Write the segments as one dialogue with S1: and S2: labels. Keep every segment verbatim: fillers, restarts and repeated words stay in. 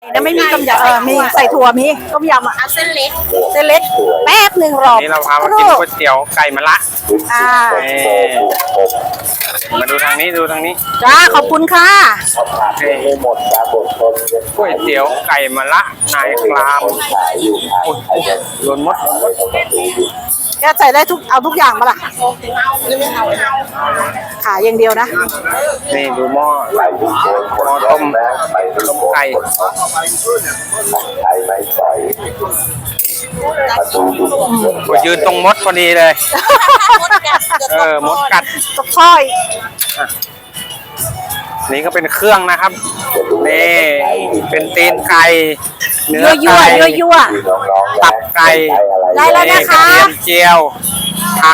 S1: แล้วไม่มีต้มยำเออมีใส่ถั่วมีต้มยำอ่ะ
S2: เอาเส้นเล็ก
S1: เส้นเล็กแป๊บหนึ่งรอ
S3: นี่เราพามากินก๋วยเตี๋ยวไก่มะละ
S1: อ่า
S3: มาดูทางนี้ดูทางนี้
S1: จ้าขอบคุณค่ะ
S3: นี่ก๋วยเตี๋ยวไก่มะละนายครามโอ้ยโดนมดมด
S1: แกใส่ได้ทุกเอาทุกอย่างมาล่ะ
S2: เอาหรือไม่เอาเอา
S1: ขายอย่างเดียวนะ
S3: นี่ดูหม้อหม้อต้มต้มไก่โอ้ยยืนตรงมดพอดีเลย
S2: มดกัด
S3: เออมดกัด
S1: ตกช้อย
S3: นี่ก็เป็นเครื่องนะครับนี่เป็นตีนไก่เนื้อ
S1: ยั่ว
S3: ไก่
S1: ยั่วยั่ว
S3: ตับไก่
S1: ได้แล้วนะคะ
S3: กรเทียมเจียวผัก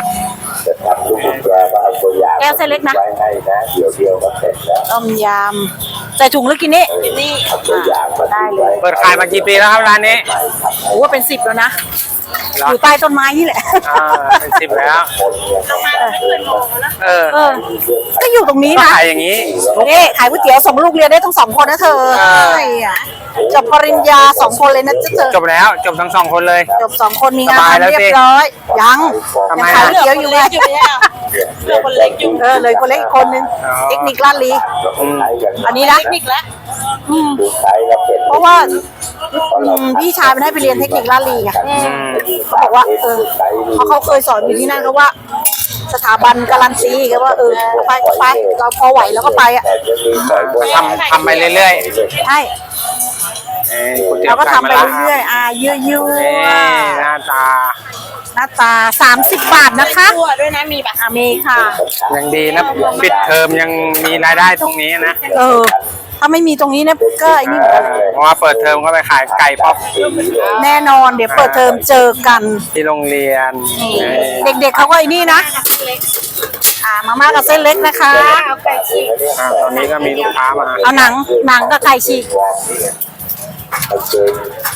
S1: แก้วเส้นเล็กนะ
S4: เดี๋ยวเดียวก็เสร็จแล้ว
S1: ต้มยำใส่ถุงหรือกินนี่
S2: นี่
S4: ตัวอย่างมา
S1: ได้เลย
S3: เปิดขายมากี่ปีแล้วครับร้านนี้
S1: โอ้เป็นสิบแล้วนะ
S3: เหรอ
S1: อยู่ใต้ต้นไม้นี่แหละ
S3: อ่าเป็นสิบแล้ว
S4: คนเนี่ยต้องการ
S3: เออ
S1: เออ ก็อยู่ตรงนี้
S3: ก็
S1: นะ
S3: ขายอย่างนี้
S1: นี่ขายก๋วยเตี๋ยวส่งลูกเรียนได้ทั้งสองคนนะเธอ
S3: เออ
S1: ใช่อ่ะจบปริญญาสองคนเลยนะจ๊ะเธอ
S3: จบแล้วจบทั้งสองคนเลย
S1: จบสองคนมีงาน
S3: สบายแล้ว
S1: ทำเรีย
S3: สิ
S1: บร้อยยัง
S3: ทำไม
S1: ยัง
S3: อ่ะ
S1: ขายก๋วยเตี๋ยวอยู่เลย
S2: อยู่เนี่ยเหลือคนเล็กอยู่
S1: เออเลยคนเล็กอีกคนนึง
S3: อ๋อ
S1: เทคนิคลาดลี
S3: อืม
S1: อันนี้นะ
S2: เทคนิคแล้ว
S1: อืม
S4: ดูใช้แล้วเป็น
S1: เพราะว่าอืมพี่ชายมันให้ไปเรียนเทคนิคลาดลีไง
S3: อืม
S1: เขาบอกว่าเออเพราะเขาเคยสอนอยู่ที่นั่นเขาว่า สถาบันการันตีก็ว่าเออไปก็ไปเราพอไหวแล้วก็ไปอ่ะ
S4: แต่จะมีใส่บน
S3: ทำทำไปเรื่อย
S1: ใช่
S3: ๆเอ้ยก๋วยเตี๋ย
S1: เรา
S3: ว
S1: ก็
S3: ไก่
S1: ทำ
S3: มะ
S1: ไป
S3: ละ
S1: เรื่อยๆอ่าเยอะ
S3: นี่หน้าตา
S1: ๆหน้าตาสามสิบบาทนะคะ
S2: ตัวด้วยนะมีแบบ
S1: อาเมค่ะ
S3: ยังดีนะปิดเทอมยังมีรายได้ตรงนี้นะ
S1: เออ ถ้าไม่มีตรงนี้เนี่ยก็ไอ้นี่เหมือนกัน
S3: เพราะว่าเปิดเทอมก็ไปขายไก่ป๊อป
S1: แน่นอนเดี๋ยวเปิดเทอมเจอกัน
S3: ที่โรงเรียน
S1: เด็กๆเขาก็ไอ้นี่นะ
S2: เล็ก
S1: อ่ามาม่ากับเส้นเล็กนะคะ
S2: เอาไก่ฉีก
S3: อ่าตอนนี้ก็มีลูกค้ามา
S1: เอาหนังหนังกับไก่ฉีก
S4: เอาเจอ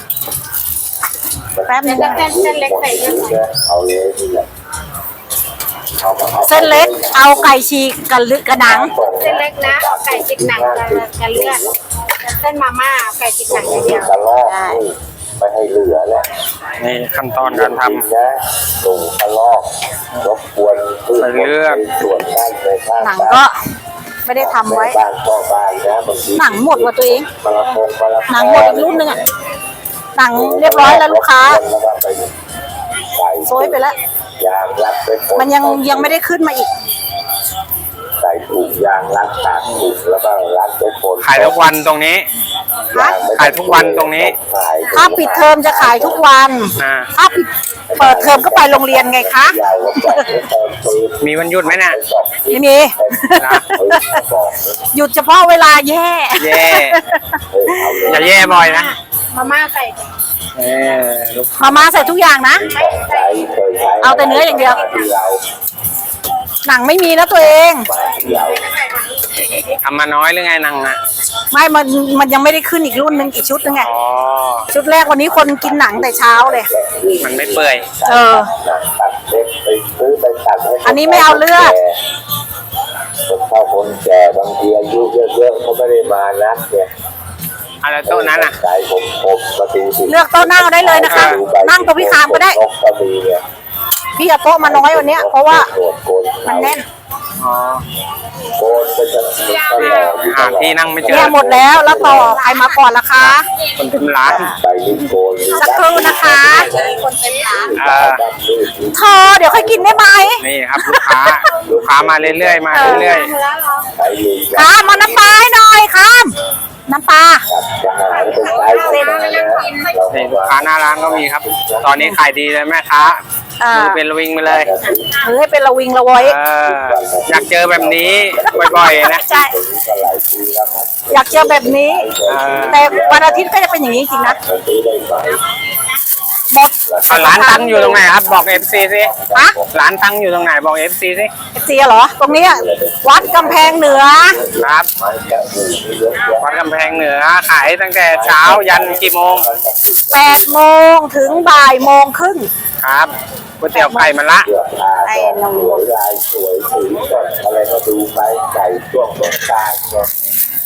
S1: แป๊บนึง
S2: เส้นเส้นเล็กใส่เยอะหน่อย
S4: เอาเลยนี่แหละเอามาเอา
S1: เส้นเล็กเอาไก่ฉีกกับลึกกับหนัง
S2: เส้นเล็กนะเอาไก่ฉีกหนังกับกับเลือดเส้นมาม่าเอาไก่ฉีกหนังอย่างเดียว
S4: กระลอกนี่ไม่ให้เหลือแล้ว
S3: นี่ขั้นตอนการท
S4: นะส่งกระลอกรบกวนพืช
S3: ใส่เลือด
S4: ส่วนด้านในข้าง
S1: หนังก็ไม่ได้ทำไว้
S4: บ้านพ่อบ้านนะบางที
S1: หนังหมดว่ะตัวเอง
S4: มะละกงมะละกอ
S1: หนังหมดอีกรุ่นหนึงอ่ะหนังเรียบร้อยแล้วลูกค้า
S4: แล้วก็ไปใส่
S1: โซยไปแล้ว
S4: ยางรัดไปคน
S1: มันยังยังไม่ได้ขึ้นมาอีก
S4: ใส่ถุงยางรัดปากถุงแล้วก็รัดไปคน
S3: ำขายทุกวันตรงนี้
S1: ฮะ
S3: ขายทุกวันตรงนี้
S4: ขาย
S1: ถ้าปิดเทอมจะขายทุกวัน
S3: อ่า
S1: ถ้าปิดเปิดเทอมก็ไปโรงเรียนไงคะ
S4: ยาวกว่าปล่อยให้เติมปืน
S3: มีวันหยุดไหมเนี่ย
S4: สอง
S1: ไม่มี
S3: นะ
S4: ปืนบอก
S1: หยุดเฉพาะเวลาแย่
S3: แย่
S4: เออเอาเลย
S3: อย่าแย่บ่อยนะ
S2: มาม่าใส่
S3: เออลูก
S1: มาม่าใส่ทุกอย่างนะ
S4: ใช้เคยใช้
S1: เอาแต่เนื้ออย่างเดียว
S4: ที่เรา
S1: หนังไม่มีนะตัวเอง
S4: ที่เรา
S3: ทำมาน้อยหรือไงนังอ่ะ
S1: ไม่มันมันยังไม่ได้ขึ้นอีกรุ่นหนึงอีกชุดหนึงไง
S3: อ๋อ
S1: ชุดแรกวันนี้คนกินหนังแต่เช้าเลย
S3: มันไม่เปื่อย
S1: เออ
S4: ตัดเล็กไปซื้อไปตัดให้
S1: อันนี้ไม่เอาเลือด
S4: คนเฒ่าคนแก่บางทีอายุเยอะๆเขาไม่ได้มานักเนี่ย
S3: อะไรโต๊ะนั้นอ่ะ
S4: ใจผมผมปกติสิ
S1: เลือกโต๊ะนั่งเอาได้เลยนะคะ นั่งตรงพี่คามก็ได้
S4: นกก็มีเนี่ย
S1: พี่เอาโต๊ะมาน้อยวันเนี้ยเพราะว่า
S4: โกนโกน
S1: มันแน่น
S3: อ๋อ
S4: โกนก็จะตลอดอยู่ต
S3: หา
S4: ลอด
S3: ที่นั่งไม่เจ
S1: เนี่
S3: อย
S1: หมดแล้วแล้วต่อใครมาก่อนล่ะคะ
S3: คนเต็มร้าน
S4: ไปนี่โกน
S1: สักครู่นะคะ
S2: คนเต็มร้าน
S3: เออ
S4: ดำมืด
S1: เธอเดี๋ยวค่อยกินได้ไหม
S3: นี่ครับลูกค้า ลูกค้ามาเรื่อยๆ มาเรื่อย
S2: แล้วเหรอ
S4: ไปเลย
S1: คามเอาน้ำปลาให้หน่อยคามน้ำปลา
S4: จะหาเป็นใจคนมานะเรา
S3: ๆนี่ลูกค้าหน้าร้านก็มีครับ ตอนนี้ขายดีเลยแม่ค้า
S1: อ่า
S3: มือเป็นระวิงไปเลย
S1: หรือให้เป็นระวิงระวอย
S3: เอออยากเจอแบบนี้บ่อยๆนะ
S1: ใช่
S4: ถึงก็หลายปีแล้วครับ
S1: อยากเจอแบบนี้
S3: เออ
S1: แต่วันอาทิตย์ก็จะเป็นอย่างนี้จริงนะ
S4: มันซื้อได้ไหม
S1: หมด
S3: อ่ะร้านตั้งอยู่ตรงไหนครับบอกเอฟซีสิ
S1: ฮะ
S3: ร้านตั้งอยู่ตรงไหนบอกเอฟซีสิ
S1: เจียเหรอ ตรงเนี้ยวัดกำแพงเหนือ
S3: ครับ
S4: มันจะมีเยอะแยะ
S3: วัดกำแพงเหนือขายตั้งแต่เช้ายันกี่โมง
S1: แปดโมงถึงบ่ายโมงครึ่ง
S3: ครับก๋วยเตี๋ยวไก่มะละ
S4: เสื้อผ้าก็สวยลายสวยสีสดอะไรก็ดูไปไก่ช่วงสงกรานต์ก็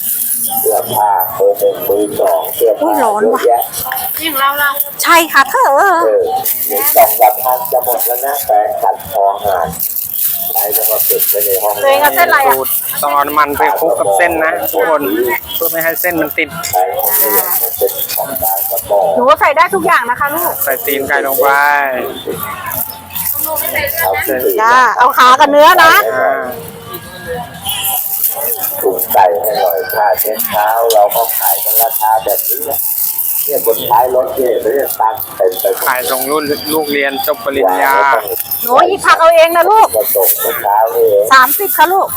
S4: เสื้อผ้าเบอร์หนึ่งมือสองเสื้อผ้าเยอะแยะ
S2: นี่ของเราเรา
S1: ใช่ค่ะเธอ
S4: เออหนึ่งสองสามพันจะหมดแล้วนะแปรงขัดคอหานใช้แล้วก็เก็บไว้ในห้อง
S1: ตัวเองเอาเส้นอะไรอ่ะ
S3: สูตรต้องเอาน้ำมันไปคลุกกับเส้นนะทุกคนเพื่อไม่ให้เส้นมันติด
S4: ใช้ของเล่นมันเป็นของการกระบอก
S1: หนูใส่ได้ทุกอย่างนะคะลูก
S3: ใส่ตีนไก่ลงไป
S4: เอาเส้น
S1: จ้าเอาขากับเนื้อนะ
S3: อ่า
S4: ถุงไก่ให้หน่อยค่าเช็ดเท้าเราก็ขายกันราคาแบบนี้แหละเนี่ยบนท้ายรถเนี่ยไม่ได้ตั้งเต็มไปหมด
S3: ขายส่งรุ่นลูกเรียนจบปริญญา
S1: หนูหยิบผักเอาเองนะลูก
S4: กระตกเมื่อเช้านี่เอง
S1: สามสิบค่ะลูก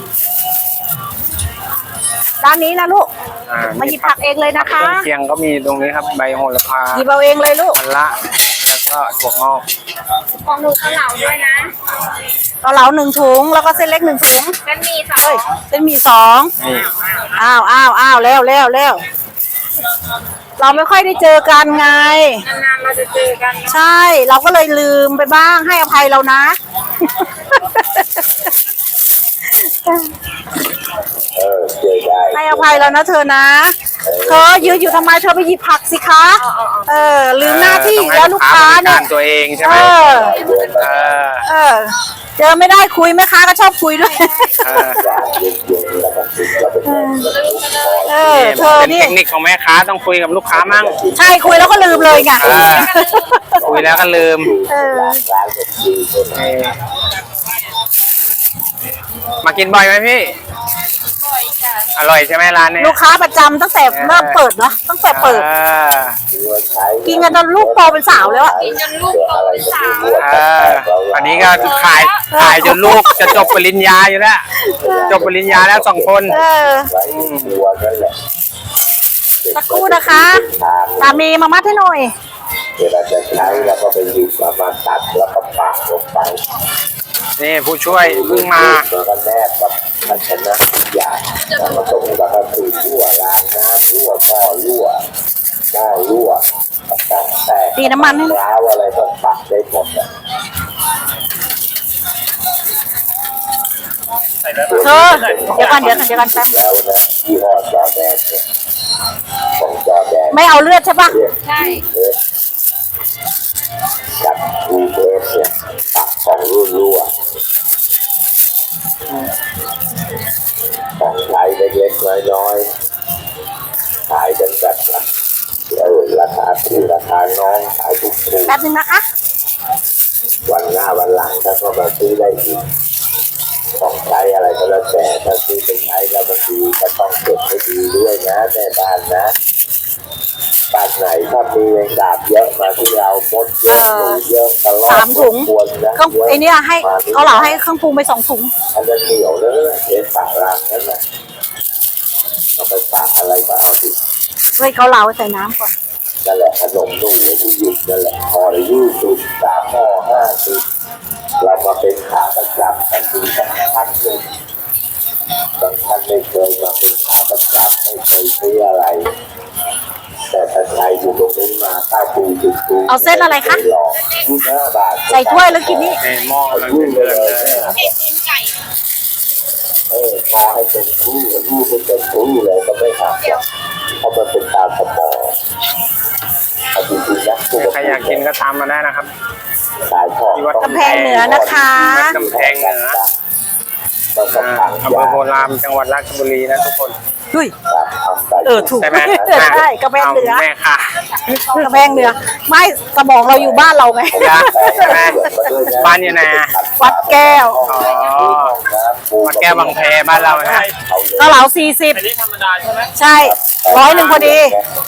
S1: ด้านนี้นะลูก
S3: อ่า
S1: มาหยิบผักเองเลยนะคะ
S3: เครื่องเคียงก็มีตรงนี้ครับใบโหระพา
S1: หยิบเอาเองเลยลูก
S3: มะละแล้วก็ถั่วงอก
S2: ของหนูเกาเหลาด้วยนะ
S1: เกาเหลาหนึ่งถุงแล้วก็เส้นเล็กหนึ่งถุง
S2: เป็นมีสอ
S1: เฮ้ย
S2: ง
S1: เส้นหมีสอง
S3: นี่
S1: อ้าวอ้าวอ้าวแล้วแล้วแล้วเราไม่ค่อยได้เจอกันไง
S2: นานๆเราจะเจอกัน
S1: ใช่ เราก็เลยลืมไปบ้างให้อภัยเรานะ
S4: เออเจอได้
S1: ให้อภัยเรานะเธอนะ เธอยืนอยู่ทำไมเธอไปหยิบผักสิคะ เออ ลืมหน้าที่อีกแล้วลูกค้าเนี่ย
S3: ต้องให้ลูกค้าบริการตัวเองใช่ไห
S1: เอ
S3: ม
S1: อ
S3: เออ
S1: เออ เจอไม่ได้คุยแม่ค้าก็ชอบคุยด้วย
S3: เออ
S4: จากเย็นๆแล้วก็ติดแล้วเป็นไง
S1: เออ เธอ
S3: เป็น
S1: นี่
S3: เทคนิคของแม่ค้าต้องคุยกับลูกค้ามั่ง
S1: ใช่คุยแล้วก็ลืมเลยไง
S3: เออคุยแล้วก็ลืม
S1: เออ
S4: ร้านเป็นดีคน
S3: เออมากินบ่อยไหมพี่
S2: บ่อยจ้ะ
S3: อร่อยใช่ไหมร้านนี้
S1: ลูกค้าประจำตั้งแต่เริ่มเปิดเนาะตั้งแต่เปิด
S3: ออ
S1: กินกันจนลูกโตเป็นสาวแล้วอะ
S2: กินจนลูกโตเป็นสาว
S3: เอออันนี้ก็ขายขายจนลูกจะจบปริญญาอยู่แล้ว จบปริญญาแล้วสองคน
S1: เออ
S4: ไว้ตัวนั่นแหละ
S1: สักครู่นะคะสามีมามัดให้หน่อย
S4: เวลาจะใช้แล้วก็ไปหยิบมามาตัดแล้วก็ปากลงไป
S3: นี่ผู้ช่วยเพิ่งมา
S4: แล้วก็แนบกับภาชนะทุกอย่างแล้วมาตรงแล้วก็คือรั่วล้างน้ำรั่วหม้อรั่วหม้อรั่วต่างๆแต่
S1: ตีน้ำมันให้หน่อย
S4: ร้าวอะไรก็ปักได้หมดอะ
S1: เธอเดี๋ยวก่อนเดี๋ยวก่อนเดี๋ยวก่อนแป๊บ
S4: แล้วนะยี่ห้อจอแดนเนี่ยของจอแดน
S1: ไม่เอาเลือดใช่ปะ
S4: เรียก
S2: ใช่
S4: เอสกับอูเอสเนี่ยปักของรุ่นรั่วของใช้เล็กๆน้อยๆขายกันแบบละเออราคาถูกราคาน้องขายถูกถูก
S1: แป๊บนึงนะคะ
S4: วันหน้าวันหลังถ้าก็มาซื้อได้อีกของใช้อะไรก็แล้วแต่ถ้าซื้อไปใช้แล้วมันดีก็ต้องเก็บให้ดีด้วยนะแม่บ้านนะบ้านไหนถ้ามีแมงดาบเยอะมาที่เรามดเยอะหนูเยอะตลอด
S1: สามถุง
S4: ควรนะ
S1: เครื่องไอเนี้ยให้เขาเหลาให้เครื่องปรุงไปสองถุง
S4: อันนั้นเหนียวแล้วนะเอ็นปากรางนั่นแหละเอาไปปากอะไรมาเอาสิ
S1: เฮ้ยเขาเหลาใส่น้ำก่อน
S4: นั่นแหละขนมนุ่มในที่ยุบนั่นแหละพอละยี่สิบสามห่อห้าสิบเรามาเป็นขาประจำกันทีสักพักหนึ่งบางท่านไม่เคยมาเป็นขาประจำไม่เคยซื้ออะไร แต่ถ้าใครอยู่ตรงนี้มาเก้าปีสิบปี
S1: เอาเส้นอะไรคะ
S4: ลองยี่สิบห้าบาท
S1: ใส่ถ้วยแล้วกินนี่
S3: ในหม้อกำลังเดือดๆเลย
S2: เผ็ดตีนไก่
S4: เออพอให้เป็นคู่คู่เป็นเป็นคู่เลยก็ไม่หักหรอกเพราะมันเป็นตามสมองเอาจริงๆนะ
S3: ใครอยากกินก็ตามมาได้นะครับ
S4: สายทอง
S3: ที่วัด
S1: กำแพงเหนือนะคะ
S3: วัดกำแพงเหนือ
S4: ต้อง
S3: อ่า
S4: ทำ
S3: อำเภอโพรามจังหวัดราชบุรีนะทุกคน
S1: เฮ้ย
S4: ทำไป
S1: เออถูก
S3: ใช่ไหม
S1: ใช่กระแพงเหนือ
S3: าแม่ค่ะ
S1: กระแพงเหนือไม่สมองเราอยู่บ้านเราไง
S3: ใช่ไหมบ้านอยู่ไหนอะ
S1: วัดแก้ว
S3: อ๋อวัดแก้วบางแพบ้านเรานะ
S1: เกาเหลาสี่สิบ
S3: อันนี้ธรรมดาใช่ไหม
S1: ใช่ร้อยหนึ่งพอดี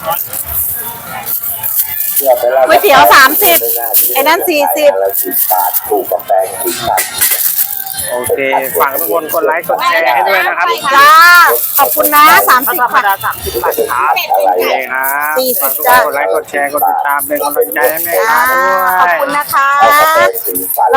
S1: ก๋วยเตี๋ยวสามสิบไอ้นั่นสี่สิบ
S4: บาทถูกกาแฟสิบบาท
S3: โอเคฝากทุกคนกดไลค์กดแชร์ให้ด้วยนะครับ
S1: จ้าขอบคุณนะสามสิบค่ะ
S4: อะไร
S3: โอเคครับ
S1: สี่สิ
S3: ฝาก
S1: บ
S3: ทุกคน
S1: จ้ะ
S3: กดไลค์กดแชร์กดติดตามเป็นกำลังใจให้แม่
S1: จ้า
S3: ค้าด้วย
S1: ขอบคุณนะคะ
S4: เอากาแฟสีฟัน